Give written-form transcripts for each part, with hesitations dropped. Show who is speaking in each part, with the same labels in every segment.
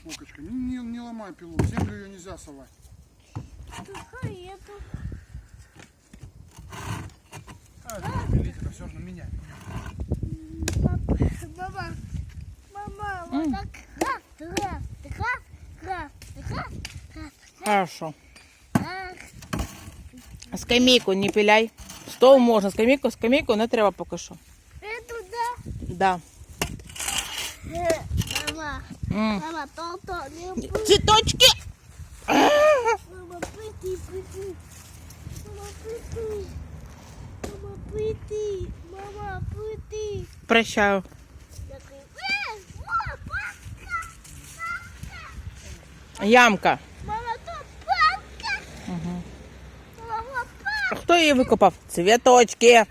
Speaker 1: Вовочка, не ломай пилу, в землю ее нельзя совать. Пилить-то все равно менять.
Speaker 2: Мама, вот так.
Speaker 3: Хорошо. Скамейку не пиляй. Стол можна, скамейку не треба поки що.
Speaker 2: Это да.
Speaker 3: Да.
Speaker 2: Мама, то не будет.
Speaker 3: Цветочки!
Speaker 2: Мама, пыти. Мама, пыти.
Speaker 3: Прощаю. Ямка.
Speaker 2: Мама, тут папка. Мама,
Speaker 3: А хто її викопав? Цвіточки.
Speaker 2: я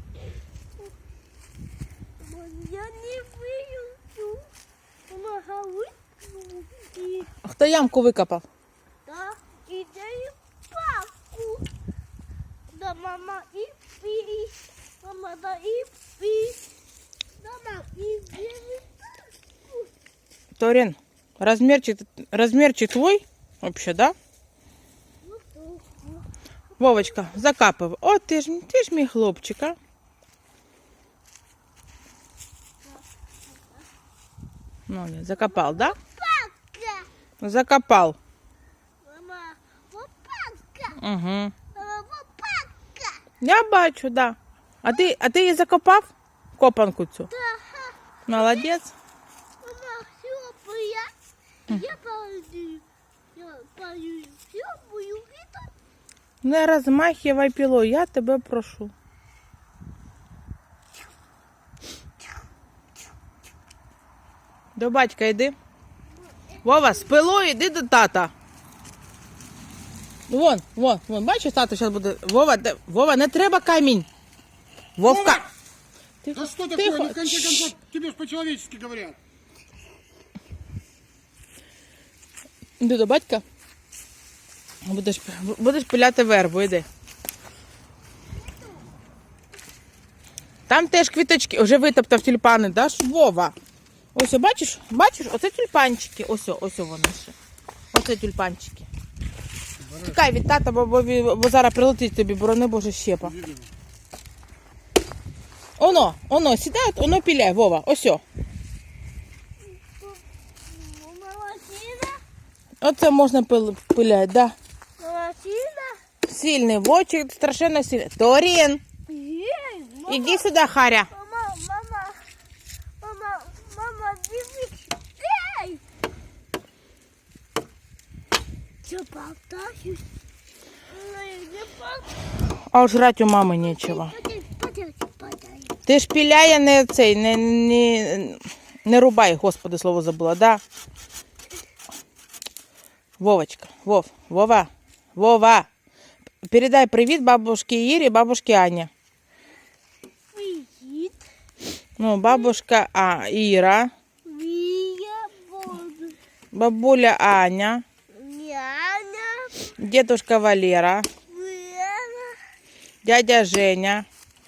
Speaker 2: не выйду. Мама, выйду.
Speaker 3: А хто ямку викопав?
Speaker 2: Да, и дай папку. Да, мама, и пи. Мама, да, и пи. Да, мама, и бери папку.
Speaker 3: Торін, розмірчик твой? Вообще, да?
Speaker 2: Вот так.
Speaker 3: Вовочка, закапав. О, ти ж мій хлопчик, а? Ну, не, закопал, да?
Speaker 2: Папка.
Speaker 3: Закопал.
Speaker 2: Мама, вот папка.
Speaker 3: Угу.
Speaker 2: Мама, вот папка.
Speaker 3: Я бачу, да. А ти її закопав? Копанку цю?
Speaker 2: Да.
Speaker 3: Молодець.
Speaker 2: Мама, хлопая. Я пойду. Хлопаю. Это
Speaker 3: Не розмахивай пілою, я тебе прошу. До батька йди. Вова, з пилою йди до тата. Вон, бачиш, тато зараз буде. Вова, не треба камінь. Вовка.
Speaker 1: Да что
Speaker 3: Тихо.
Speaker 1: такое? Ну, в конце концов, тебе ж по-человечески говорят.
Speaker 3: Йди до батька. Будеш пиляти вербу, йди. Там теж квіточки, вже витоптав тюльпани, да, Вова? Ось, бачиш, оце тюльпанчики, ось вони ще. Оце тюльпанчики. Тікай від тата, бо зараз прилетить тобі, борони Боже, щепа. Оно, сідай, оно піляй, Вова, ось.
Speaker 2: молодчина.
Speaker 3: Оце можна пиляти, да.
Speaker 2: Молодчина.
Speaker 3: Сильний, вовчик страшенно сильний. Торін,
Speaker 2: Ей, мама.
Speaker 3: іди сюди, Харя.
Speaker 2: Мама, дивись. Эй! Что, болтаюсь? Ну, я болтаюсь.
Speaker 3: А уж жрать у мамы нечего. Ти ж піляє не цей, не рубай, Господи, слово забула, да? Вовочка, Вова, передай привіт бабушке Ірі, бабушке Ані.
Speaker 2: Привет.
Speaker 3: Ну, бабушка Іра,
Speaker 2: Я буду.
Speaker 3: бабуля Аня,
Speaker 2: Няня.
Speaker 3: дедушка Валера,
Speaker 2: Вера.
Speaker 3: дядя Женя.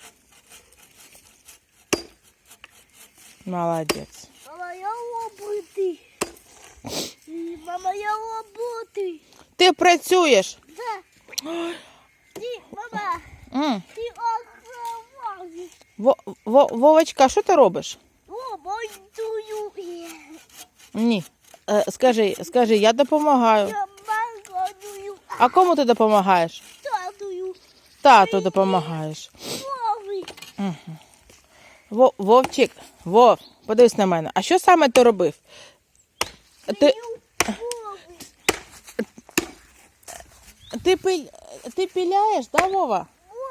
Speaker 3: Молодець.
Speaker 2: Мама, я работаю. Мама, я работаю.
Speaker 3: Ти працюєш?
Speaker 2: Да. Ты, мама,
Speaker 3: М.
Speaker 2: ты открываешь.
Speaker 3: Вовочка, що ти робиш?
Speaker 2: Работаю.
Speaker 3: Ні. Скажи, я допомагаю.
Speaker 2: Я банкую.
Speaker 3: А кому ти допомагаєш?
Speaker 2: Татую.
Speaker 3: Тату допомагаєш.
Speaker 2: Новый.
Speaker 3: Вовчик, подивись на мене. А що саме ти робив? Ти піляєш, да, Вова?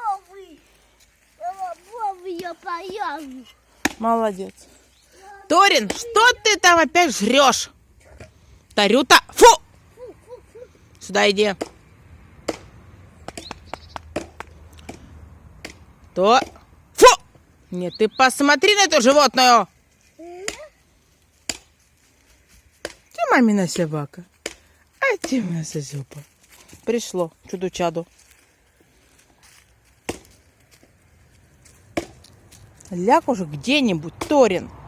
Speaker 2: Новый я появлю.
Speaker 3: Молодец. Торин, что ты там опять жрешь? Тарюта, фу! Сюда иди. Фу! Нет, ты посмотри на эту животную. Ты мамина собака. А ты моя созюпа. Пришло чудо-чаду. Ляг уже где-нибудь, Торин.